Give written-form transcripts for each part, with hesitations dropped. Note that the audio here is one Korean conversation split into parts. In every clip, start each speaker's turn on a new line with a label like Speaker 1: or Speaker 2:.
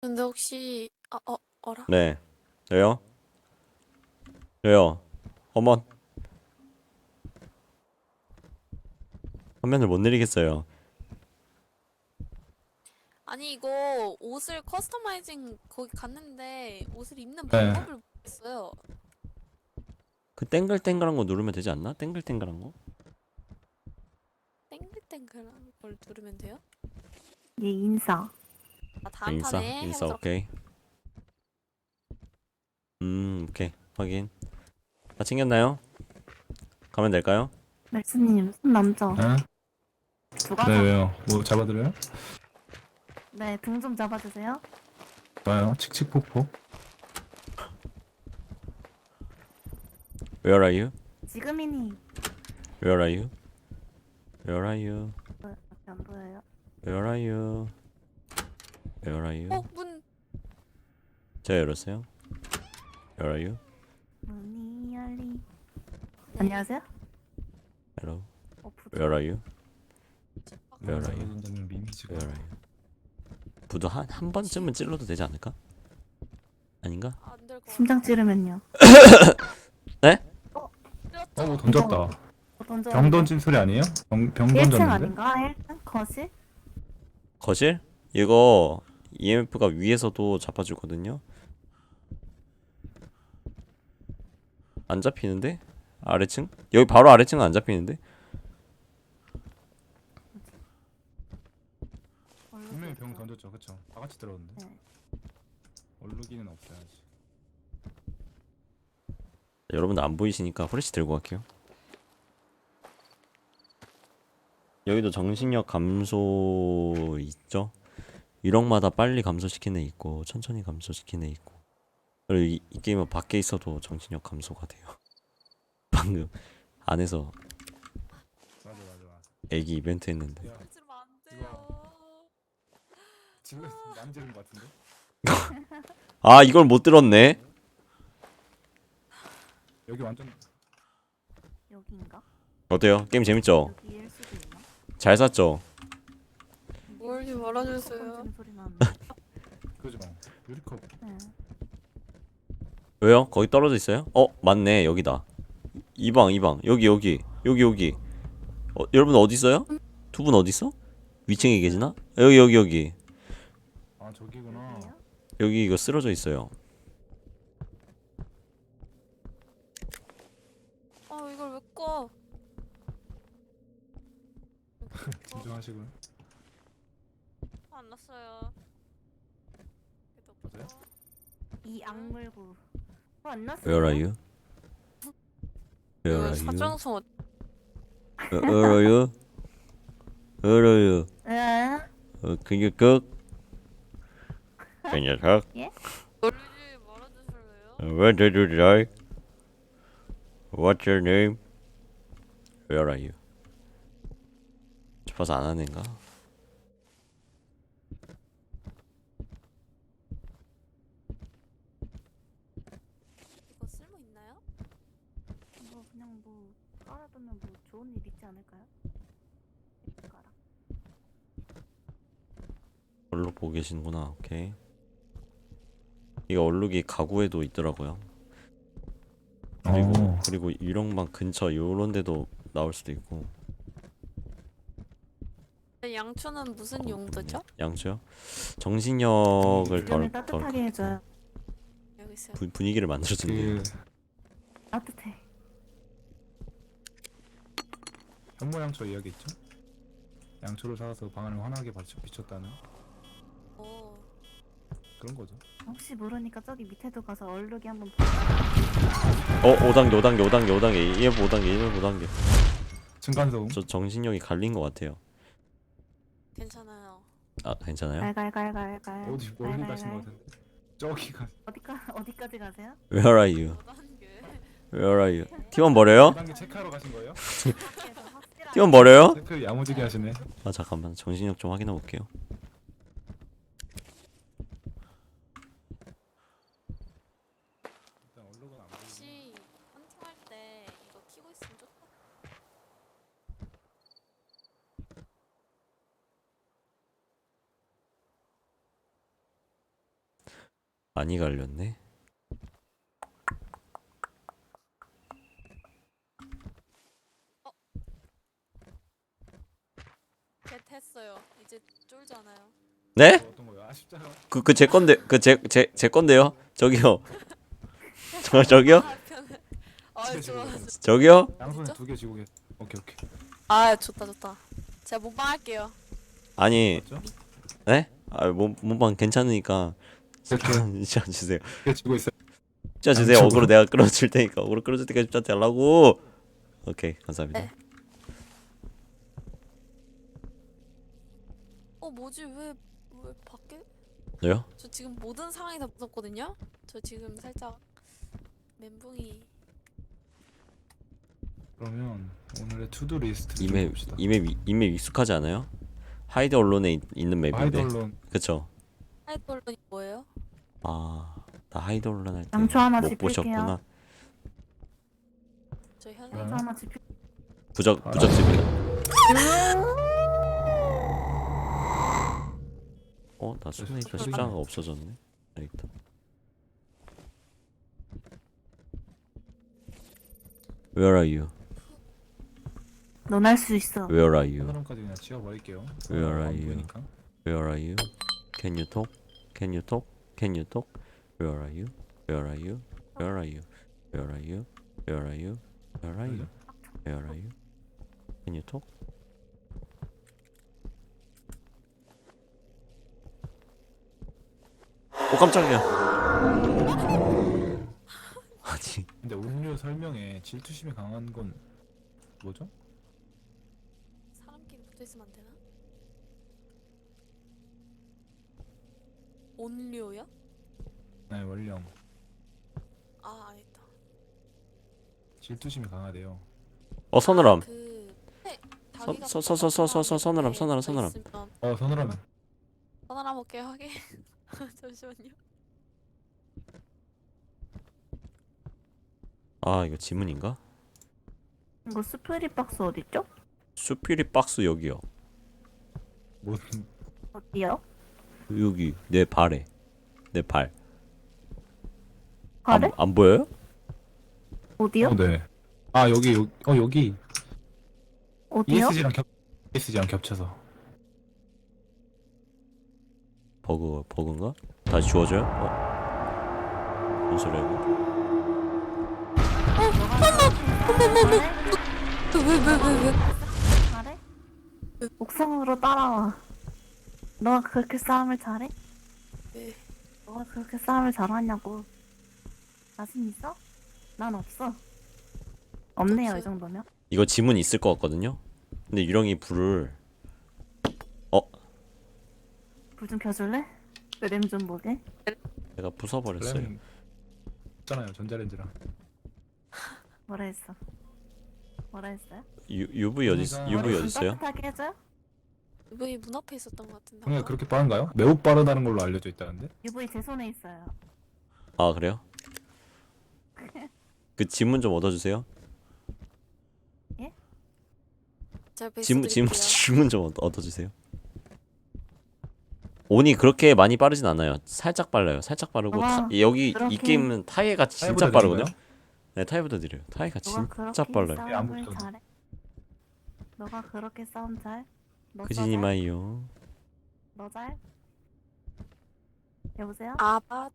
Speaker 1: 근데 혹시 어라?
Speaker 2: 네. 왜요? 왜요? 어머, 화면을 못 내리겠어요.
Speaker 1: 아니 이거 옷을 커스터마이징 거기 갔는데 옷을 입는
Speaker 3: 네.
Speaker 1: 방법을 모르겠어요.
Speaker 2: 그 땡글땡글한 거 누르면 되지 않나? 땡글땡글한 거?
Speaker 1: 땡글땡글한 걸 누르면 돼요?
Speaker 4: 예, 인사.
Speaker 1: 아
Speaker 2: 아,
Speaker 1: 다음
Speaker 2: 인싸?
Speaker 1: 판에
Speaker 2: 인싸,
Speaker 1: 해보도록.
Speaker 2: 오케이. 오케이. 확인. 다 챙겼나요? 가면 될까요?
Speaker 4: 말씀님, 손 남죠?
Speaker 3: 네?
Speaker 4: 누가
Speaker 3: 네,
Speaker 4: 잡...
Speaker 3: 왜요? 뭐 잡아드려요?
Speaker 4: 네, 등 좀 잡아주세요.
Speaker 3: 좋아요. 칙칙폭폭.
Speaker 2: Where are you?
Speaker 4: 지금이니.
Speaker 2: Where are you? Where are you?
Speaker 4: 밖에 안 보여요.
Speaker 2: Where are you? Where are you?
Speaker 1: 문.
Speaker 2: 제가 열었어요. Where are you?
Speaker 4: 문이 열리.
Speaker 1: 네.
Speaker 4: 안녕하세요?
Speaker 2: Hello.
Speaker 4: 부조.
Speaker 2: Where are you?
Speaker 1: 집 밖-
Speaker 2: Where are you?
Speaker 3: 잡아준다는 미미지가.
Speaker 2: Where are you? 부도 한 번쯤은 찔러도 되지 않을까? 아닌가?
Speaker 1: 안 될 것 같아.
Speaker 4: 심장 찌르면요.
Speaker 2: 네?
Speaker 1: 찔렀죠?
Speaker 3: 뭐 던졌다.
Speaker 4: 던져.
Speaker 3: 병 던진 소리 아니에요? 병
Speaker 4: 1층
Speaker 3: 던졌는데?
Speaker 4: 아닌가? 1층? 거실?
Speaker 2: 거실? 이거 EMF가 위에서도 잡아주거든요. 안 잡히는데? 아래층? 여기 바로 아래층은 안 잡히는데?
Speaker 3: 분명히 병 던졌죠, 그쵸? 다 같이 들었는데.
Speaker 4: 네.
Speaker 3: 얼룩이는 없어야지.
Speaker 2: 여러분들 안 보이시니까 후레쉬 들고 갈게요. 여기도 정신력 감소 있죠? 유령마다 빨리 감소시키는 애 있고 천천히 감소시키는 애 있고. 그리고 이 게임은 밖에 있어도 정신력 감소가 돼요. 방금 안에서
Speaker 3: 맞아.
Speaker 2: 애기 이벤트 했는데.
Speaker 3: 야,
Speaker 1: 찔러면 안 돼요.
Speaker 3: 지금 많이 지른 것 같은데?
Speaker 2: 아, 이걸 못 들었네.
Speaker 3: 여기 완전
Speaker 4: 여기인가?
Speaker 2: 어때요? 게임 재밌죠?
Speaker 4: 여기일 수도 있나?
Speaker 2: 잘 샀죠?
Speaker 1: 멀지
Speaker 4: 컵
Speaker 1: 말아주세요.
Speaker 4: 던지는 소리 나는데.
Speaker 3: 그죠? 유리컵.
Speaker 4: 네.
Speaker 2: 왜요? 거기 떨어져 있어요? 맞네. 여기다. 이방. 여기. 여러분 어디 있어요? 두 분 어디 있어? 위층에 계시나? 여기.
Speaker 3: 아, 저기구나.
Speaker 4: 여기요?
Speaker 2: 여기 이거 쓰러져 있어요.
Speaker 1: 이걸 왜 꺼?
Speaker 3: 진정하시고요.
Speaker 1: 안 났어요.
Speaker 3: 보세요.
Speaker 4: 이 악물고. 안 났어요?
Speaker 2: Where are you? Where
Speaker 1: 이거
Speaker 2: are you?
Speaker 1: 사정성
Speaker 2: Where are you? Where are you?
Speaker 4: 에?
Speaker 2: Can you cook? 그 녀석.
Speaker 1: 놀리지 말아주실래요?
Speaker 2: Where did you die? What's your name? Where are you? 싶어서 안 하는 가
Speaker 1: 이거 쓸모 있나요?
Speaker 4: 뭐 그냥 뭐 깔아두면 뭐 좋은 일 있지 않을까요? 깔아.
Speaker 2: 얼룩 보고 계시는구나. 오케이. 이거 얼룩이 가구에도 있더라고요. 그리고 유령방 근처 요런 데도 나올 수도 있고.
Speaker 1: 양초는 무슨 용도죠?
Speaker 2: 양초요? 정신력을
Speaker 4: 주변을
Speaker 2: 덜
Speaker 4: 따뜻하게 해줘요.
Speaker 1: 여기 있어요.
Speaker 2: 분위기를 만들어준대요.
Speaker 3: 그
Speaker 4: 따뜻해.
Speaker 3: 현모양초 이야기 있죠? 양초를 사와서 방 안을 환하게 비췄다는
Speaker 1: 오.
Speaker 3: 그런 거죠.
Speaker 4: 혹시 모르니까 저기 밑에도 가서 얼룩이 한번
Speaker 2: 5단계. EF 5단계.
Speaker 3: 층간소음.
Speaker 2: 저 정신력이 갈린 것 같아요.
Speaker 1: 괜찮아요.
Speaker 2: 아, 괜찮아요?
Speaker 4: 갈갈갈갈갈.
Speaker 3: 어디 멀리 가신 것 같은데. 저기가
Speaker 4: 어디까지 가세요?
Speaker 2: Where are you?
Speaker 1: 5단계.
Speaker 2: Where are you? 팀원 버려요?
Speaker 3: 2단계 체크하러 가신 거예요?
Speaker 2: 팀원 버려요?
Speaker 3: 체크 야무지게 하시네.
Speaker 2: 아, 잠깐만. 정신력 좀 확인해 볼게요.
Speaker 3: 일단 얼룩은 안 보이고.
Speaker 1: 혹시 헌팅할 때 이거 키고 있으면 좋다.
Speaker 2: 많이 갈렸네.
Speaker 1: 겟 했어요. 이제 쫄잖아요.
Speaker 2: 네?
Speaker 3: 어떤 거요? 아 십자가.
Speaker 2: 그 제 건데 제 건데요. 저기요. 저기요?
Speaker 1: 아 편해. 아 좋아.
Speaker 2: 저기요?
Speaker 3: 양손에
Speaker 1: 진짜?
Speaker 3: 2개 쥐고 계세요. 오케이 오케이.
Speaker 1: 아 좋다 좋다. 제가 몸빵 할게요.
Speaker 2: 아니,
Speaker 3: 맞죠?
Speaker 2: 네? 아, 몸방 괜찮으니까
Speaker 3: 이렇게
Speaker 2: 진짜 주세요.
Speaker 3: 2개 쥐고 있어요.
Speaker 2: 진짜 주세요.
Speaker 3: 양쪽으로?
Speaker 2: 어그로 내가 끌어줄 테니까. 어그로 끌어줄 때까지 진짜 달라고. 오케이, 감사합니다.
Speaker 1: 네. 뭐지 왜 밖에?
Speaker 2: 저요?
Speaker 1: 저 지금 모든 상황이 다 무섭거든요. 저 지금 살짝 멘붕이.
Speaker 3: 그러면 오늘의 투두 리스트 좀
Speaker 2: 이맵
Speaker 3: 봅시다.
Speaker 2: 이맵 익숙하지 않아요? 하이드 언론에 있는 맵인데.
Speaker 3: 하이드 언론
Speaker 2: 그쵸?
Speaker 1: 하이돌론이 뭐예요?
Speaker 2: 아, 나 하이드 언론 할 때
Speaker 4: 양초 하나
Speaker 2: 못
Speaker 4: 집힐게요.
Speaker 2: 보셨구나.
Speaker 1: 저 현생.
Speaker 3: 그러면
Speaker 4: 하나 집힐.
Speaker 2: 부적집이다. 나 스네이퍼 십자가가 없어졌네. 여기 있다. Where are you?
Speaker 4: 넌 할 수 있어.
Speaker 2: Where are you?
Speaker 3: 사람까지 그냥 지워버릴게요.
Speaker 2: Where are
Speaker 3: 안
Speaker 2: you?
Speaker 3: 보이니까.
Speaker 2: Where are you? Can you talk? Can you talk? Can you talk? Where are you? Where are you? Where are you? Where are you? Where are you? Where are you? Where are you? Can you talk? 오 깜짝이야. 아니
Speaker 3: 근데 음료 설명에 질투심이 강한 건 뭐죠?
Speaker 1: 사람끼리 붙어 있으면 안 되나? 온료요?
Speaker 3: 네 원령
Speaker 1: 아 아니다.
Speaker 3: 질투심이 강하대요.
Speaker 2: 서늘함. 서늘함.
Speaker 3: 서늘하면
Speaker 1: 서늘함 오케이 하게. 잠시만요.
Speaker 2: 아 이거 지문인가?
Speaker 4: 이거 스프리 박스 어딨죠?
Speaker 2: 수피리 박스 여기요.
Speaker 3: 뭐
Speaker 4: 어디요?
Speaker 2: 여기 내 발에 내 발.
Speaker 4: 가래?
Speaker 2: 안 보여요?
Speaker 4: 어디요?
Speaker 3: 네. 아 여기
Speaker 4: 어디요?
Speaker 3: ESG랑 겹쳐서.
Speaker 2: 버그인가? 다시 주워줘요? 뭔 소리야 이거?
Speaker 1: 왜?
Speaker 4: 잘해? 옥상으로 따라와. 너가 그렇게 싸움을 잘해?
Speaker 1: 네.
Speaker 4: 너가 그렇게 싸움을 잘하냐고. 자신 있어? 난 없어. 없네요,
Speaker 1: 없어요?
Speaker 4: 이 정도면.
Speaker 2: 이거 지문 있을 것 같거든요? 근데 유령이 불을
Speaker 4: 불 좀 켜줄래? 그림 좀 보게.
Speaker 2: 내가 부숴버렸어요.
Speaker 3: 블랙 있잖아요 전자레인지랑.
Speaker 4: 뭐라 했어? 뭐라 했어요?
Speaker 2: UV
Speaker 3: 그러니까
Speaker 2: UV
Speaker 4: 머리 좀
Speaker 2: 어딨어요?
Speaker 4: 따뜻하게 해줘요?
Speaker 1: UV 문 앞에 있었던 것 같은데.
Speaker 3: 그러니까
Speaker 1: 아까?
Speaker 3: 그렇게 빠른가요? 매우 빠르다는 걸로 알려져 있다는데.
Speaker 4: UV 제 손에 있어요.
Speaker 2: 아 그래요? 그 지문 좀 얻어주세요.
Speaker 1: 제가 베이스
Speaker 2: 지문
Speaker 1: 드릴게요.
Speaker 2: 지문 좀 얻어주세요. 온이 그렇게 많이 빠르진 않아요. 살짝 빨라요. 살짝 빠르고 여기 이
Speaker 4: 그렇게
Speaker 2: 게임은 타이어가 진짜
Speaker 3: 타이어보다
Speaker 2: 빠르거든요.
Speaker 3: 느린가요?
Speaker 2: 네 타이어보다 느려요. 타이어가
Speaker 4: 너가
Speaker 2: 진짜
Speaker 4: 그렇게
Speaker 2: 빨라요.
Speaker 3: 안
Speaker 4: 싸움을
Speaker 3: 붙어도.
Speaker 4: 잘해? 너가 그렇게 싸움 잘? 너
Speaker 2: 그지니
Speaker 4: 잘?
Speaker 2: 마이요.
Speaker 4: 너 잘? 여보세요?
Speaker 1: 아바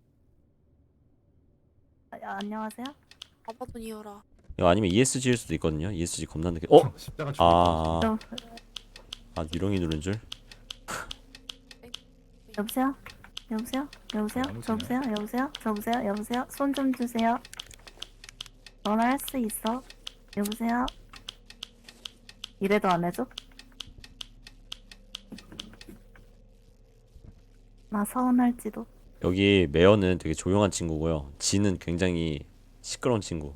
Speaker 4: 안녕하세요?
Speaker 1: 아바돈이어라.
Speaker 2: 이거 아니면 ESG일 수도 있거든요. ESG 겁나 느게.
Speaker 3: 십자가 죽어.
Speaker 2: 아
Speaker 4: 여,
Speaker 2: 유령이 누른 줄.
Speaker 4: 여보세요? 여보세요? 여보세요?
Speaker 3: 아무
Speaker 4: 여보세요? 여보세요? 여보세요? 여보세요? 손 좀 주세요. 너나 할 수 있어. 여보세요? 이래도 안 해줘? 나 서운할지도.
Speaker 2: 여기 메어는 되게 조용한 친구고요. 지는 굉장히 시끄러운 친구.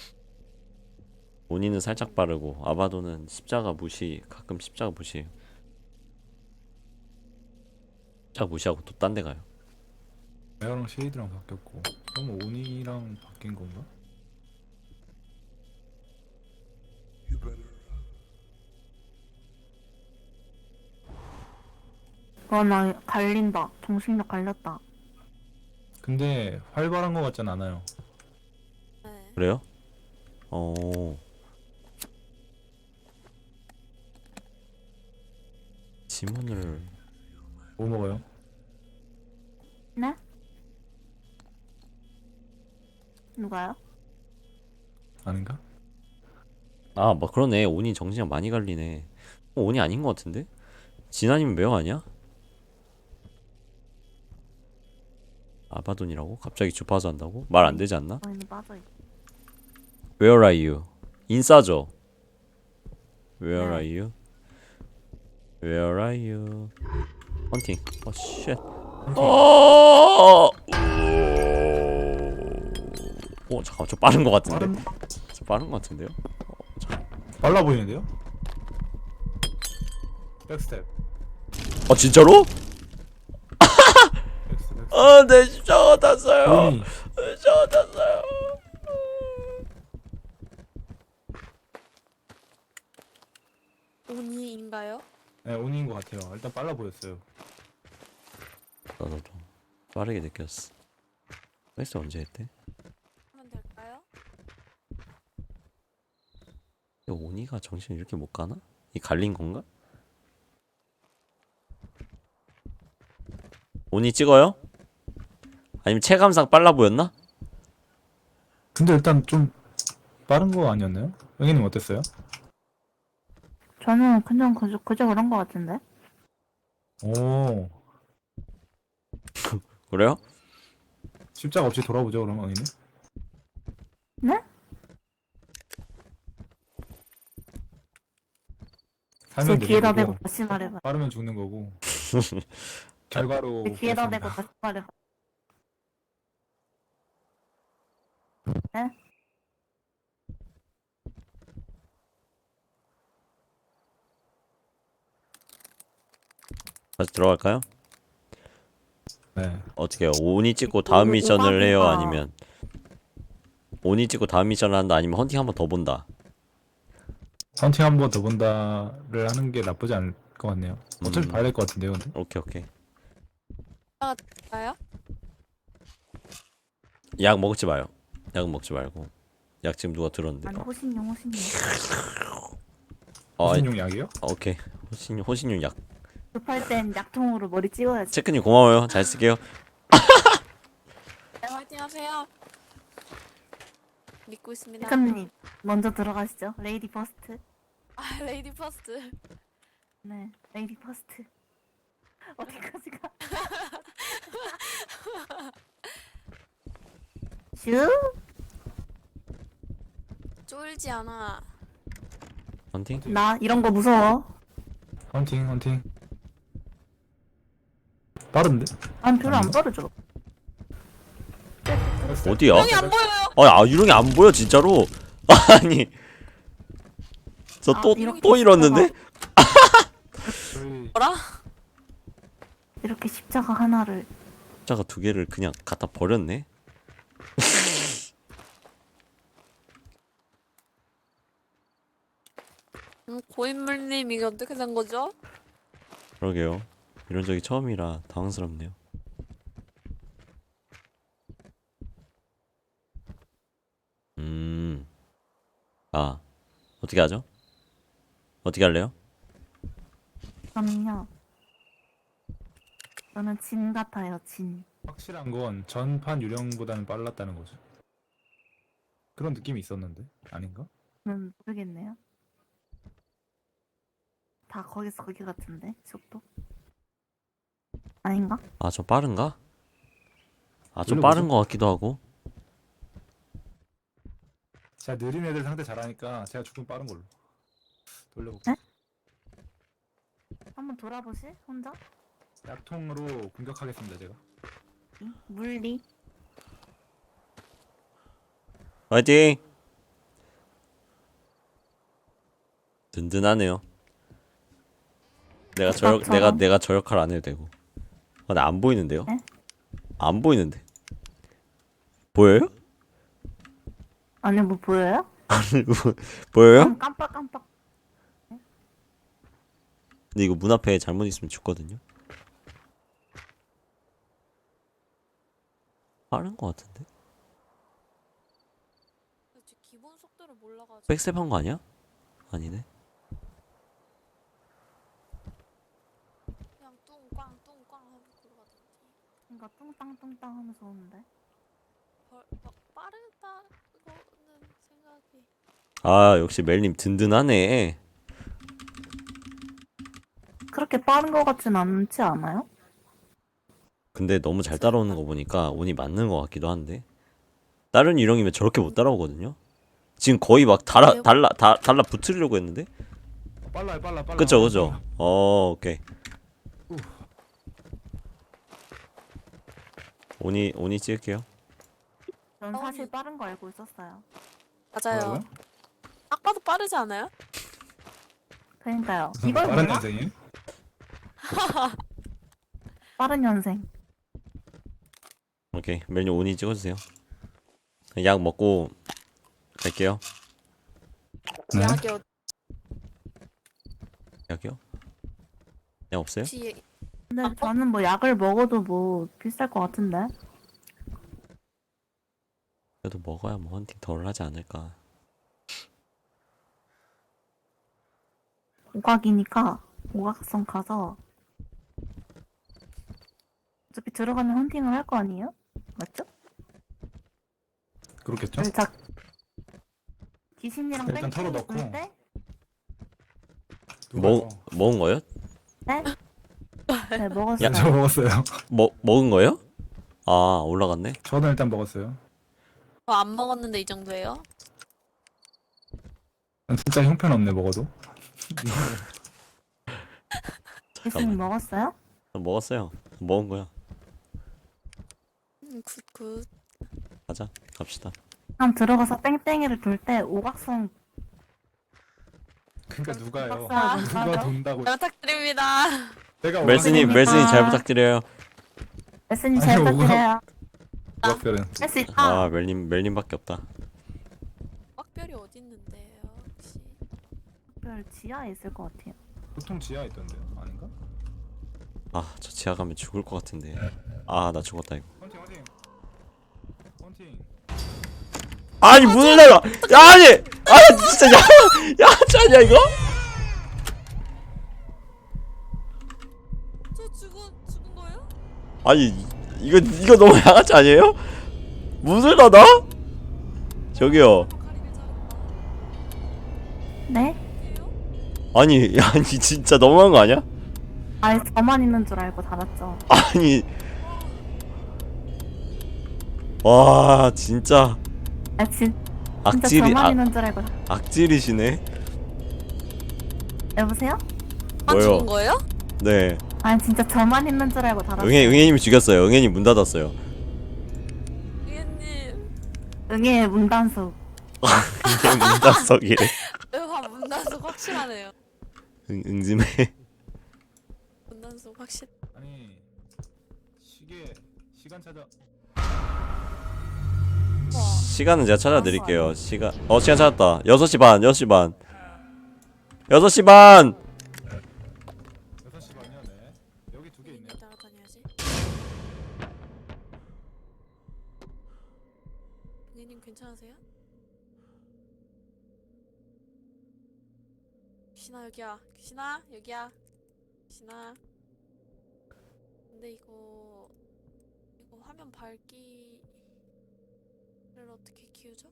Speaker 2: 온이는 살짝 빠르고 아바도는 십자가 무시. 가끔 십자가 무시해요. 십자가 무시하고 또 딴 데 가요.
Speaker 3: 메어랑 쉐이드랑 바뀌었고. 그럼 오니랑 바뀐 건가?
Speaker 4: 나 갈린다. 정신력 갈렸다.
Speaker 3: 근데 활발한 것 같진 않아요.
Speaker 1: 네.
Speaker 2: 그래요? 어. 지문을
Speaker 3: 뭐 먹어요?
Speaker 4: 네? 누가요?
Speaker 3: 아닌가?
Speaker 2: 아, 뭐 그러네. 온이 정신이 많이 갈리네. 온이 아닌 것 같은데? 진아님 매형 아니야? 아바돈이라고? 갑자기 주파수 한다고? 말 안 되지 않나?
Speaker 4: 저희는 빠져있고.
Speaker 2: Where are you? 인싸죠? Where
Speaker 4: 네.
Speaker 2: are you? Where are you? 헌팅. 어, 쉣. 어! 오, 잠깐만. 저 빠른 것 같은데?
Speaker 3: 빠른
Speaker 2: 저 빠른 것 같은데요?
Speaker 3: 빨라 보이는데요? 백스텝.
Speaker 2: 진짜로?
Speaker 3: 백스텝.
Speaker 2: 내 십자가 탔어요.
Speaker 3: 온이
Speaker 2: 십자가 탔어요.
Speaker 1: 온이인가요?
Speaker 3: 네, 온인 것 같아요. 일단 빨라 보였어요.
Speaker 2: 나도 빠르게 느꼈어. 퀘스트 언제 했대?
Speaker 1: 하면 될까요?
Speaker 2: 오니가 정신이 이렇게 못 가나? 이 갈린 건가? 오니 찍어요? 아니면 체감상 빨라 보였나?
Speaker 3: 근데 일단 좀 빠른 거 아니었나요? 영희님 어땠어요?
Speaker 4: 저는 그냥 그저 그런 거 같은데?
Speaker 3: 오,
Speaker 2: 그래요?
Speaker 3: 십자가 없이 돌아보죠 그럼 영희님.
Speaker 4: 네? 제
Speaker 3: 살면
Speaker 4: 귀에다
Speaker 3: 되는
Speaker 4: 대고
Speaker 3: 거고
Speaker 4: 다시 말해봐.
Speaker 3: 빠르면 죽는 거고 결과로
Speaker 4: 제 귀에다
Speaker 3: 그렇습니다.
Speaker 4: 대고 다시 말해봐. 네?
Speaker 2: 다시 들어갈까요?
Speaker 3: 네.
Speaker 2: 어떻게 해요? 오니 찍고 다음 미션을 해요?
Speaker 4: 오바마가-
Speaker 2: 아니면 오니 찍고 다음 미션을 한다? 아니면 헌팅 한 번 더 본다?
Speaker 3: 헌팅 한 번 더 본다를 하는 게 나쁘지 않을 것 같네요. 어차피 봐야 될 것 같은데요, 근데.
Speaker 2: 오케이 오케이.
Speaker 1: 가요?
Speaker 2: 약 먹지 마요. 약은 먹지 말고. 약 지금 누가 들었는데.
Speaker 4: 아니 호신용.
Speaker 2: 아니,
Speaker 3: 무슨 용 약이요?
Speaker 2: 오케이. 호신용 약.
Speaker 4: 급할 땐 약통으로 머리 찍어야지.
Speaker 2: 체크님 고마워요. 잘 쓸게요.
Speaker 1: 네, 화이팅 하세요. 믿고 있습니다.
Speaker 4: 백함님 먼저 들어가시죠. 레이디 퍼스트.
Speaker 1: 아, 레이디 퍼스트.
Speaker 4: 네, 레이디 퍼스트. 어디까지 가? 슈?
Speaker 1: 쫄지 않아.
Speaker 2: 헌팅?
Speaker 4: 나 이런 거 무서워.
Speaker 3: 헌팅. 빠른데?
Speaker 4: 난 별로 안
Speaker 3: 아닌가?
Speaker 4: 빠르죠.
Speaker 2: 어디야?
Speaker 1: 형이 안 보여요.
Speaker 2: 유령이 안 보여 진짜로. 아니. 저
Speaker 4: 아,
Speaker 2: 또
Speaker 4: 이렇게
Speaker 2: 또 잃었는데?
Speaker 3: 저희
Speaker 1: 뭐라?
Speaker 4: 이렇게 십자가 하나를.
Speaker 2: 자가 두 개를 그냥 갖다 버렸네.
Speaker 1: 고인물님 이게 어떻게 된 거죠?
Speaker 2: 그러게요. 이런 적이 처음이라 당황스럽네요. 아, 어떻게 하죠? 어떻게 할래요?
Speaker 4: 저는요. 저는 진 같아요, 진.
Speaker 3: 확실한 건 전판 유령보다는 빨랐다는 거죠. 그런 느낌이 있었는데 아닌가?
Speaker 4: 모르겠네요. 다 거기서 거기 같은데 속도. 아닌가?
Speaker 2: 아, 좀 빠른가? 아, 좀
Speaker 3: 돌려보죠.
Speaker 2: 빠른 것 같기도 하고.
Speaker 3: 제가 느린 애들 상대 잘하니까 제가 조금 빠른 걸로 돌려볼게요.
Speaker 4: 한번 돌아보실? 혼자?
Speaker 3: 약통으로 공격하겠습니다 제가.
Speaker 4: 물리.
Speaker 2: 화이팅! 든든하네요.
Speaker 4: 오빠처럼.
Speaker 2: 내가 저 역할 안 해도 되고. 나 안 보이는데요?
Speaker 4: 네?
Speaker 2: 안 보이는데. 보여요?
Speaker 4: 아니 뭐 보여요?
Speaker 2: 보여요?
Speaker 4: 깜빡깜빡.
Speaker 2: 근데 이거 문 앞에 잘못 있으면 죽거든요. 빠른 거 같은데?
Speaker 1: 그치, 기본 속도를 몰라가지고.
Speaker 2: 백스텝 거 아니야? 아니네.
Speaker 1: 그냥 뚱꽝 뚱꽝 하면 걸어가던지.
Speaker 4: 뭔가 뚱땅뚱땅 하면서 오는데.
Speaker 1: 막 빠르다고는 생각이.
Speaker 2: 아 역시 멜님 든든하네.
Speaker 4: 그렇게 빠른 거 같진 않지 않아요?
Speaker 2: 근데 너무 잘 따라오는 거 보니까 운이 맞는 거 같기도 한데. 다른 유령이면 저렇게 못 따라오거든요. 지금 거의 막 달라 붙으려고 했는데.
Speaker 3: 빨라요 빨라.
Speaker 2: 그쵸 그쵸. 오케이.
Speaker 3: 우.
Speaker 2: 오니 찍을게요.
Speaker 4: 전 사실 빠른 거 알고 있었어요.
Speaker 1: 맞아요.
Speaker 3: 뭐라고요?
Speaker 1: 딱 봐도 빠르지 않아요?
Speaker 4: 그러니까요. 이걸
Speaker 3: 빠른
Speaker 4: 몰라?
Speaker 3: 년생이에요?
Speaker 4: 빠른 년생.
Speaker 2: 오케이 멜님 오니 찍어주세요. 약 먹고 갈게요.
Speaker 3: 네.
Speaker 1: 약이
Speaker 2: 약이요? 약 없어요?
Speaker 1: 혹시
Speaker 4: 근데 저는 뭐 약을 먹어도 뭐 비쌀 것 같은데.
Speaker 2: 그래도 먹어야 뭐 헌팅 덜 하지 않을까.
Speaker 4: 오각이니까 오각성 가서 어차피 들어가면 헌팅을 할 거 아니에요? 맞죠?
Speaker 3: 그렇겠죠?
Speaker 4: 살짝 귀신이랑
Speaker 3: 일단
Speaker 4: 뺑뺑이
Speaker 3: 털어놓고.
Speaker 4: 돌 때?
Speaker 2: 먹은 거요?
Speaker 4: 네? 네 먹었어요.
Speaker 3: 저 먹었어요.
Speaker 2: 먹은 거요? 아 올라갔네.
Speaker 3: 저는 일단 먹었어요.
Speaker 1: 안 먹었는데 이 정도예요?
Speaker 3: 진짜 형편없네 먹어도.
Speaker 4: 귀신이 먹었어요?
Speaker 2: 먹었어요. 먹은 거야.
Speaker 1: 굿굿.
Speaker 2: 가자 갑시다.
Speaker 4: 그럼 들어가서 뺑뺑이를 돌 때 오각성
Speaker 3: 그러니까 누가요?
Speaker 4: 아,
Speaker 3: 누가
Speaker 4: 맞아.
Speaker 3: 돈다고?
Speaker 1: 부탁드립니다.
Speaker 3: 내가
Speaker 2: 멜스님 잘 부탁드려요.
Speaker 4: 레슨님
Speaker 3: 아니,
Speaker 4: 잘
Speaker 3: 오각-
Speaker 4: 부탁드려요.
Speaker 3: 오각별은
Speaker 4: 할 수 있다.
Speaker 2: 아 멜님밖에 없다.
Speaker 1: 꽉별이 어디 있는데요? 혹시
Speaker 4: 별 지하에 있을 것 같아요.
Speaker 3: 보통 지하에 있던데요? 아닌가?
Speaker 2: 아 저 지하 가면 죽을 것 같은데. 아 나 죽었다 이거.
Speaker 3: 헌팅.
Speaker 2: 아니 문을 닫아. 야 아니 진짜 야 짜냐 이거?
Speaker 1: 저 죽은 거예요?
Speaker 2: 아니 이거 너무 양아치 아니에요? 문을 닫아? 저기요.
Speaker 1: 가리길 잘했다.
Speaker 4: 네?
Speaker 1: 어디에요?
Speaker 2: 아니 진짜 너무한 거 아니야?
Speaker 4: 아예 저만 있는 줄 알고 닫았죠.
Speaker 2: 아니 와 진짜
Speaker 4: 아 진짜
Speaker 2: 악질이
Speaker 4: 저만 있는 줄 알고.
Speaker 2: 악질이시네.
Speaker 4: 여보세요?
Speaker 1: 안
Speaker 2: 뭐요?
Speaker 1: 죽은 거예요?
Speaker 2: 네.
Speaker 4: 아니 진짜 저만 있는 줄 알고 닫았어요.
Speaker 2: 응애님이 죽였어요. 응애님 문 닫았어요.
Speaker 1: 위엔님
Speaker 4: 응애 문단속.
Speaker 2: 이게 문 닫석이래.
Speaker 1: 문단속 확실하네요.
Speaker 2: 응즘해.
Speaker 1: 문단속 확실.
Speaker 3: 아니 시간 찾아.
Speaker 2: 시간은 제가 찾아드릴게요. 시간 찾았다. 6시 반 6시 반 6시 반
Speaker 3: 6시 반이요. 네. 여기 두 개 있네요.
Speaker 1: 따라다녀야지. 위엔님 괜찮으세요? 귀신아 여기야. 귀신아 여기야. 귀신아. 근데 이거 화면 밝기를 어떻게 키우죠?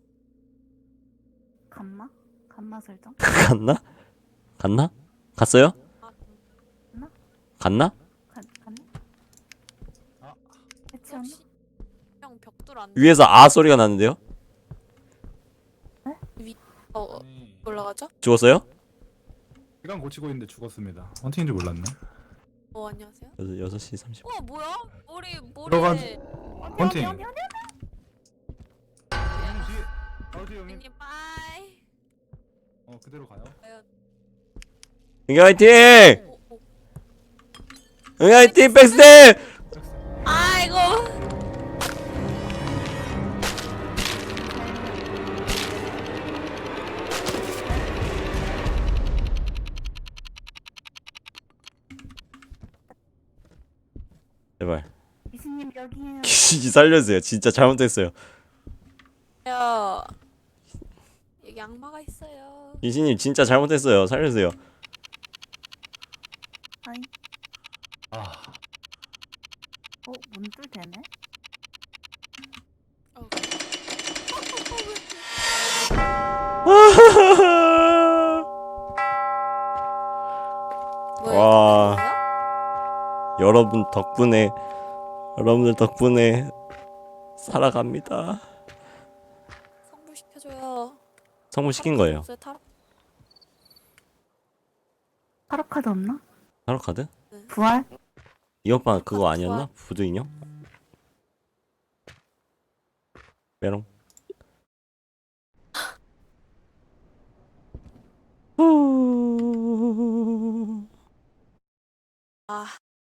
Speaker 4: 감마? 감마 설정?
Speaker 2: 갔나? 갔어요? 갔나?
Speaker 4: 갔네?
Speaker 3: 아.
Speaker 4: 해치웠나?
Speaker 1: 혹시 형 벽돌 안
Speaker 2: 위에서 아 소리가 나는데요?
Speaker 3: 아니
Speaker 1: 올라가죠?
Speaker 2: 죽었어요?
Speaker 3: 시간 고치고 있는데 죽었습니다. 헌팅인 줄 몰랐네.
Speaker 1: 안녕하세요.
Speaker 2: 6시 30분.
Speaker 1: 뭐야? 머리에
Speaker 3: 들어가- 헌팅.
Speaker 4: 어디?
Speaker 3: 어디 형님?
Speaker 1: 위엔님 빠이.
Speaker 3: 그대로 가요.
Speaker 2: 응애 화이팅!
Speaker 1: 오.
Speaker 2: 응애 화이팅 백스텝!
Speaker 1: 아이고.
Speaker 2: 제발
Speaker 4: 귀신님 여기에요.
Speaker 2: 귀신이 살려주세요. 진짜 잘못했어요.
Speaker 1: 야, 여기 악마가 있어요.
Speaker 2: 귀신님 진짜 잘못했어요. 살려주세요.
Speaker 4: 아이.
Speaker 3: 아,
Speaker 4: 문도 되네?
Speaker 1: 어. 뭐야,
Speaker 2: 와.
Speaker 1: 이거
Speaker 2: 여러분들 덕분에 살아갑니다.
Speaker 1: 성불시켜줘요.
Speaker 2: 성공시킨 거예요.
Speaker 1: 없어요, 타로?
Speaker 4: 타로 카드 없나?
Speaker 2: 타로 카드?
Speaker 4: 부활?
Speaker 2: 이 오빠 그거
Speaker 1: 카드
Speaker 2: 아니었나? 부두 인형? 메롱.
Speaker 1: 아,